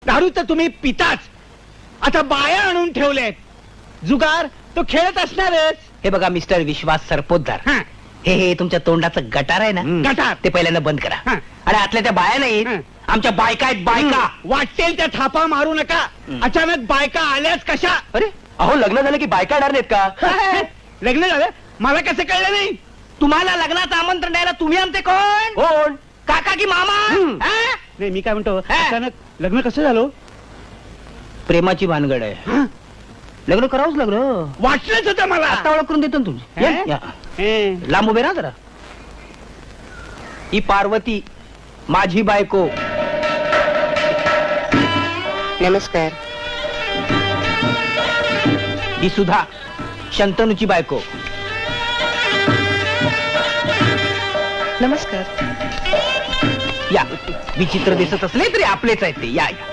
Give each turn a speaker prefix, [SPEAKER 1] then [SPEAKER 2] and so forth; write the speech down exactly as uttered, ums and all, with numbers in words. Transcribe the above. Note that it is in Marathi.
[SPEAKER 1] दारू तर तुम्ही पिताच, आता बाया आणून ठेवलेत. जुगार तो खेळत असणारच.
[SPEAKER 2] हे बघा मिस्टर विश्वास सरपोतदार,
[SPEAKER 1] हा,
[SPEAKER 2] हे हे तुमच्या तोंडाचं गटार आहे ना,
[SPEAKER 1] गटार
[SPEAKER 2] ते पहिल्यांदा बंद करा.
[SPEAKER 1] हा.
[SPEAKER 2] आणि आतल्या त्या बाया नाहीत,
[SPEAKER 1] हा.
[SPEAKER 2] आमच्या बायका आहेत बायका.
[SPEAKER 1] वाटेल त्या थापा मारू नका. अचानक बायका आल्याच कशा?
[SPEAKER 2] अरे अहो, लग्न झालं की बायका येणार नाहीत का?
[SPEAKER 1] लग्न झालं मला कसं कळलं नाही?
[SPEAKER 2] तुम्हाला लग्नाचं आमंत्रण द्यायला तुम्ही आमचे कोण? कोण? काका की मामा? हा?
[SPEAKER 1] नाही, मी काय म्हणतो,
[SPEAKER 2] हा.
[SPEAKER 1] अचानक लग्न कसं झालं?
[SPEAKER 2] प्रेमाची भानगड आहे.
[SPEAKER 1] हा?
[SPEAKER 2] लग्न करावंच लग्न.
[SPEAKER 1] वाटलंच होतं मला.
[SPEAKER 2] आता ओळख करून देतो ना तुमची.
[SPEAKER 1] हा?
[SPEAKER 2] या, या.
[SPEAKER 1] हे.
[SPEAKER 2] लांब उभे राहा जरा. ही पार्वती माझी बायको.
[SPEAKER 3] नमस्कार.
[SPEAKER 2] ही सुद्धा शंतनूची बायको.
[SPEAKER 3] नमस्कार.
[SPEAKER 2] या, विचित्र दिसत असले तरी आपलेच आहेत ते. या या.